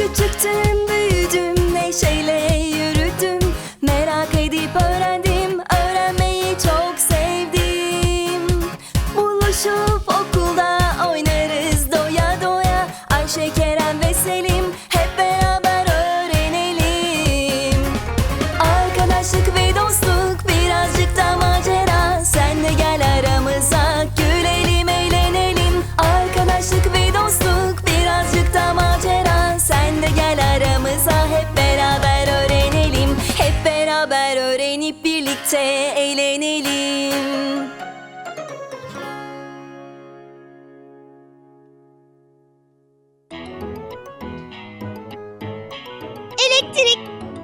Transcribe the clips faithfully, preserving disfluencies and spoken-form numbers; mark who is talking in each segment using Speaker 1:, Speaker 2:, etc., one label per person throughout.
Speaker 1: Küçüktüm, büyüdüm, neşeyle yürüdüm. Merak edip öğrendim, öğrenmeyi çok sevdim. Buluşup okulda oynarız doya doya. Ayşe, Kerem ve Selim hep beraber öğrenelim. Arkadaşlık ve dostluk, birazcık da macera. Sen de gel aramıza, gülelim, eğlenelim. Arkadaşlık ve dostluk, birazcık da macera. Sen de gel aramıza, hep beraber öğrenelim. Hep beraber öğrenip birlikte eğlenelim.
Speaker 2: Elektrik.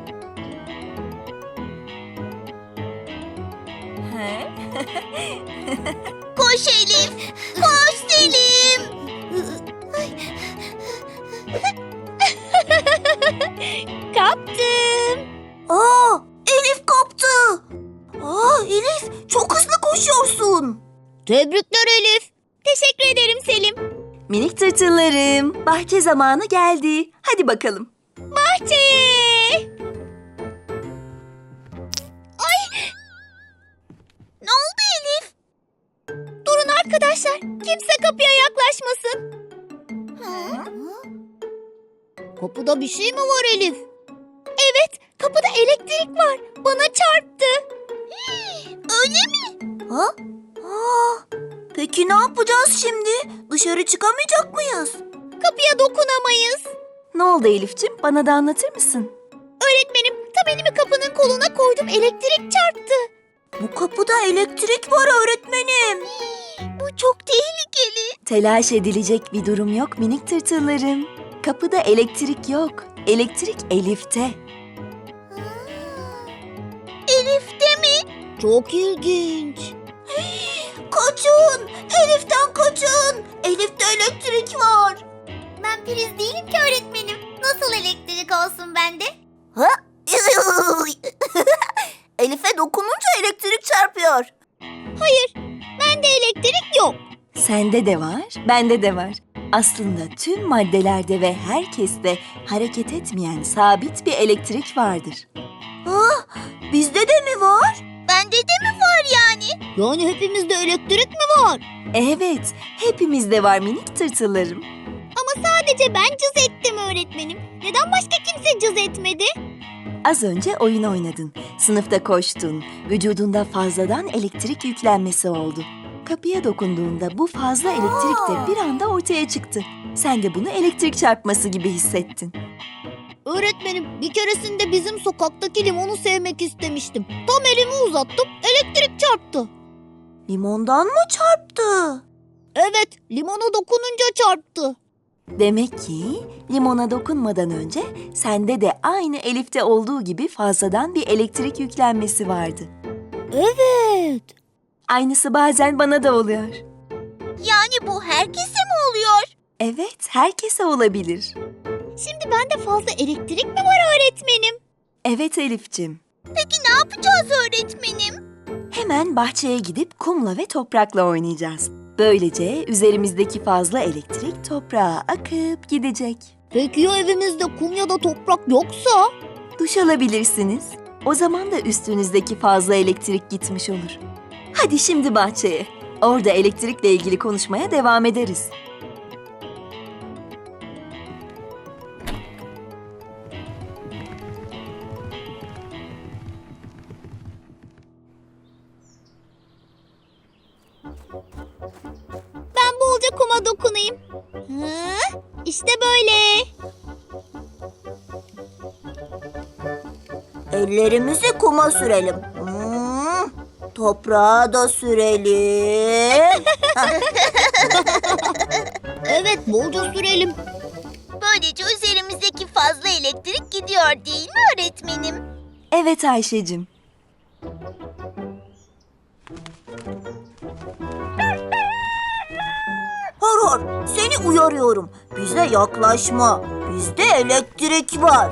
Speaker 2: Koş Elif, koş Selim. Kaptım.
Speaker 3: Aa, Elif kaptı. Aa, Elif çok hızlı koşuyorsun.
Speaker 2: Tebrikler Elif. Teşekkür ederim Selim.
Speaker 1: Minik tırtıllarım, bahçe zamanı geldi. Hadi bakalım.
Speaker 2: Bahçeye. Ay. Ne oldu Elif? Durun arkadaşlar. Kimse kapıya yaklaşmasın. Kapıda bir şey mi var Elif? Evet, kapıda elektrik var. Bana çarptı. Öyle mi?
Speaker 3: Ha? Aa, peki ne yapacağız şimdi? Dışarı çıkamayacak mıyız?
Speaker 2: Kapıya dokunamayız.
Speaker 1: Ne oldu Elif'ciğim? Bana da anlatır mısın?
Speaker 2: Öğretmenim, tam elimi kapının koluna koydum. Elektrik çarptı.
Speaker 3: Bu kapıda elektrik var öğretmenim.
Speaker 2: Bu çok tehlikeli.
Speaker 1: Telaş edilecek bir durum yok minik tırtıllarım. Kapıda elektrik yok. Elektrik Elif'te.
Speaker 2: Elif'te mi? Çok ilginç.
Speaker 3: Kaçın! Elif'ten kaçın! Elif'te elektrik var.
Speaker 2: Ben priz değilim ki öğretmenim. Nasıl elektrik olsun bende?
Speaker 3: Ha? Elif'e dokununca elektrik çarpıyor.
Speaker 2: Hayır, bende elektrik yok.
Speaker 1: Sende de var, bende de var. Aslında tüm maddelerde ve herkeste hareket etmeyen sabit bir elektrik vardır.
Speaker 3: Ha? Bizde de mi var?
Speaker 2: Bende de mi var yani? Yani hepimizde elektrik mi var?
Speaker 1: Evet, hepimizde var minik tırtıllarım.
Speaker 2: Ama sadece ben cız ettim öğretmenim. Neden başka kimse cız etmedi?
Speaker 1: Az önce oyun oynadın, sınıfta koştun, vücudunda fazladan elektrik yüklenmesi oldu. Kapıya dokunduğunda bu fazla elektrik de bir anda ortaya çıktı. Sen de bunu elektrik çarpması gibi hissettin.
Speaker 2: Öğretmenim, bir keresinde bizim sokaktaki limonu sevmek istemiştim. Tam elimi uzattım, elektrik çarptı.
Speaker 3: Limondan mı çarptı?
Speaker 2: Evet, limona dokununca çarptı.
Speaker 1: Demek ki limona dokunmadan önce sende de aynı Elif'te olduğu gibi fazladan bir elektrik yüklenmesi vardı.
Speaker 2: Evet.
Speaker 1: Aynısı bazen bana da oluyor.
Speaker 2: Yani bu herkese mi oluyor?
Speaker 1: Evet, herkese olabilir.
Speaker 2: Şimdi bende fazla elektrik mi var öğretmenim?
Speaker 1: Evet Elif'cim.
Speaker 2: Peki ne yapacağız öğretmenim?
Speaker 1: Hemen bahçeye gidip kumla ve toprakla oynayacağız. Böylece üzerimizdeki fazla elektrik toprağa akıp gidecek.
Speaker 2: Peki ya evimizde kum ya da toprak yoksa?
Speaker 1: Duş alabilirsiniz. O zaman da üstünüzdeki fazla elektrik gitmiş olur. Hadi şimdi bahçeye. Orada elektrikle ilgili konuşmaya devam ederiz.
Speaker 2: Ben bolca kuma dokunayım. Hı? İşte böyle.
Speaker 3: Ellerimizi kuma sürelim. Hmm, toprağa da sürelim.
Speaker 2: Evet, bolca sürelim. Böylece üzerimizdeki fazla elektrik gidiyor değil mi öğretmenim?
Speaker 1: Evet Ayşe'cim.
Speaker 3: Hor hor, seni uyarıyorum. Bize yaklaşma. Bizde elektrik var.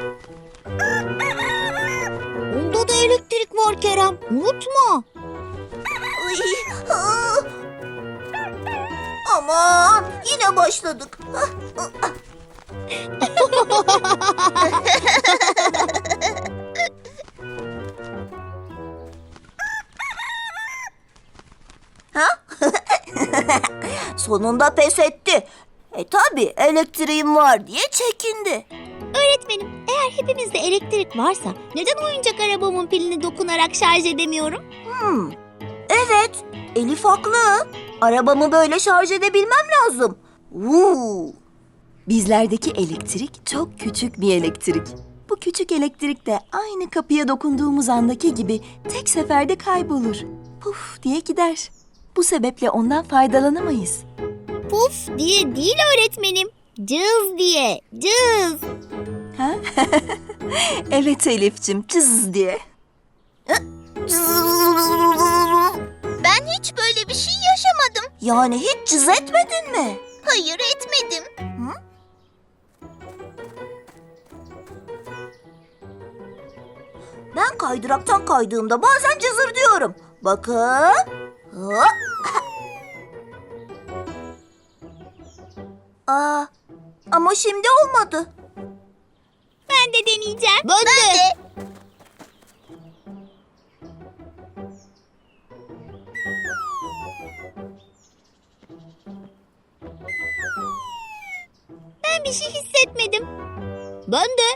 Speaker 2: Onda da elektrik var Kerem. Unutma.
Speaker 3: Ay, ah. Aman, yine başladık. Ah, ah. Sonunda pes etti. E tabi elektriğim var diye çekindi.
Speaker 2: Öğretmenim, eğer hepimizde elektrik varsa neden oyuncak arabamın pilini dokunarak şarj edemiyorum?
Speaker 3: Hmm. Evet, Elif haklı. Arabamı böyle şarj edebilmem lazım. Vuu.
Speaker 1: Bizlerdeki elektrik çok küçük bir elektrik. Bu küçük elektrik de aynı kapıya dokunduğumuz andaki gibi tek seferde kaybolur. Puf diye gider. Bu sebeple ondan faydalanamayız.
Speaker 2: Puf diye değil öğretmenim. Cız diye, cız.
Speaker 1: Ha? Evet Elif'cim, cız diye.
Speaker 2: Ben hiç böyle bir şey yaşamadım.
Speaker 3: Yani hiç cız etmedin mi?
Speaker 2: Hayır, etmedim.
Speaker 3: Ben kaydıraktan kaydığımda bazen cızır diyorum. Bakın. Hop. Aa, ama şimdi olmadı.
Speaker 2: Ben de deneyeceğim. Ben, de. Ben bir şey hissetmedim. Ben de.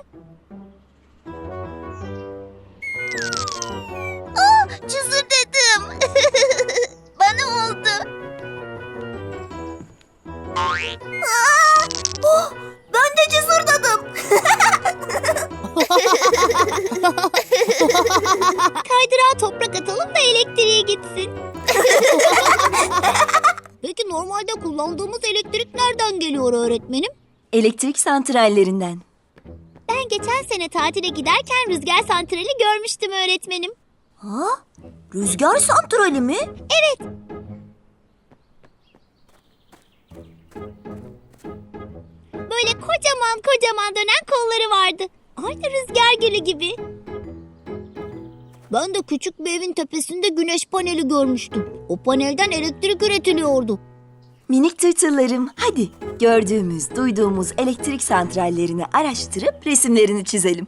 Speaker 2: Aa, cızır dedim. Bana oldu.
Speaker 3: Aa, oh, ben de cızırdadım.
Speaker 2: Kaydırağa toprak atalım da elektriğe gitsin. Peki normalde kullandığımız elektrik nereden geliyor öğretmenim?
Speaker 1: Elektrik santrallerinden.
Speaker 2: Ben geçen sene tatile giderken rüzgar santrali görmüştüm öğretmenim.
Speaker 3: Ha? Rüzgar santrali mi?
Speaker 2: Evet. Böyle kocaman kocaman dönen kolları vardı. Aynı rüzgar gülü gibi. Ben de küçük bir evin tepesinde güneş paneli görmüştüm. O panelden elektrik üretiliyordu.
Speaker 1: Minik tırtıllarım, hadi gördüğümüz, duyduğumuz elektrik santrallerini araştırıp resimlerini çizelim.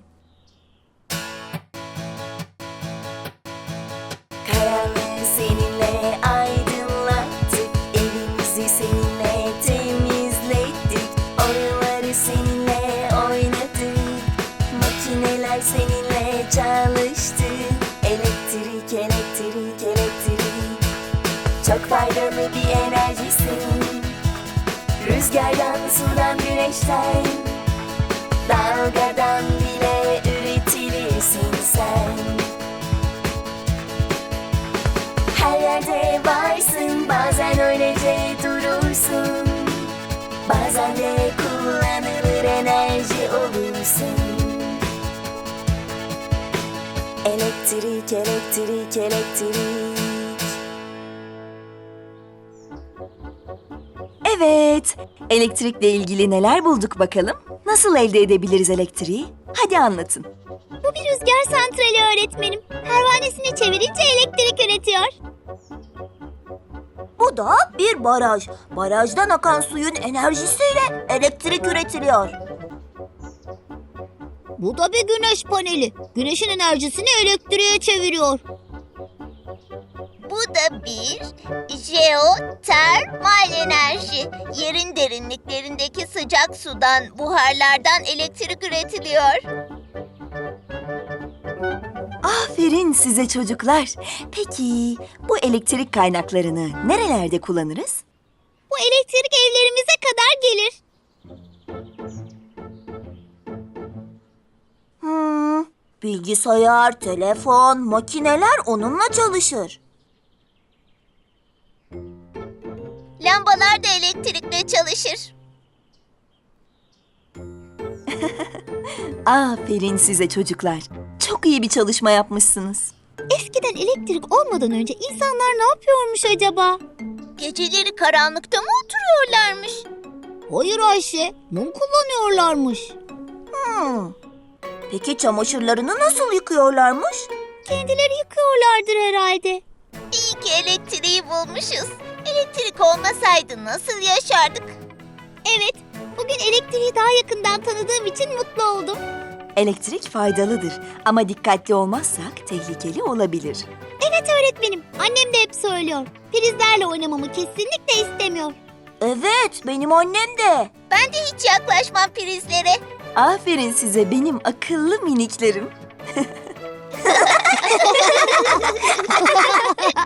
Speaker 1: Karanlığı seninle aydınlattık, evimizi seninle temizlettik, oyunları seninle oynadık, makineler seninle çalıştı. Elektrik, elektrik, elektrik, çok faydalı bir enerjisin. Rüzgardan, sudan, güneşten, dalgadan bile üretilirsin sen. Her yerde varsın, bazen öylece durursun, bazen de kullanılır enerji olursun. Elektrik, elektrik, elektrik. Evet, elektrikle ilgili neler bulduk bakalım? Nasıl elde edebiliriz elektriği? Hadi anlatın.
Speaker 2: Bu bir rüzgar santrali öğretmenim. Pervanesini çevirince elektrik üretiyor.
Speaker 3: Bu da bir baraj. Barajdan akan suyun enerjisiyle elektrik üretiliyor.
Speaker 2: Bu da bir güneş paneli. Güneşin enerjisini elektriğe çeviriyor.
Speaker 4: Bu da bir jeotermal enerji. Yerin derinliklerindeki sıcak sudan, buharlardan elektrik üretiliyor.
Speaker 1: Aferin size çocuklar. Peki bu elektrik kaynaklarını nerelerde kullanırız?
Speaker 2: Bu elektrik evlerimize kadar gelir.
Speaker 3: Hmm, bilgisayar, telefon, makineler onunla çalışır.
Speaker 4: Lambalar da elektrikle çalışır.
Speaker 1: Aferin size çocuklar. Çok iyi bir çalışma yapmışsınız.
Speaker 2: Eskiden elektrik olmadan önce insanlar ne yapıyormuş acaba?
Speaker 4: Geceleri karanlıkta mı oturuyorlarmış?
Speaker 2: Hayır Ayşe, mum kullanıyorlarmış.
Speaker 3: Hmm. Peki çamaşırlarını nasıl yıkıyorlarmış?
Speaker 2: Kendileri yıkıyorlardır herhalde.
Speaker 4: İyi ki elektriği bulmuşuz. Elektrik olmasaydı nasıl yaşardık?
Speaker 2: Evet, bugün elektriği daha yakından yakından tanıdığım için mutlu oldum.
Speaker 1: Elektrik faydalıdır ama dikkatli olmazsak tehlikeli olabilir.
Speaker 2: Evet öğretmenim, annem de hep söylüyor. Prizlerle oynamamı kesinlikle istemiyor.
Speaker 3: Evet, benim annem de.
Speaker 4: Ben de hiç yaklaşmam prizlere.
Speaker 1: Aferin size benim akıllı miniklerim.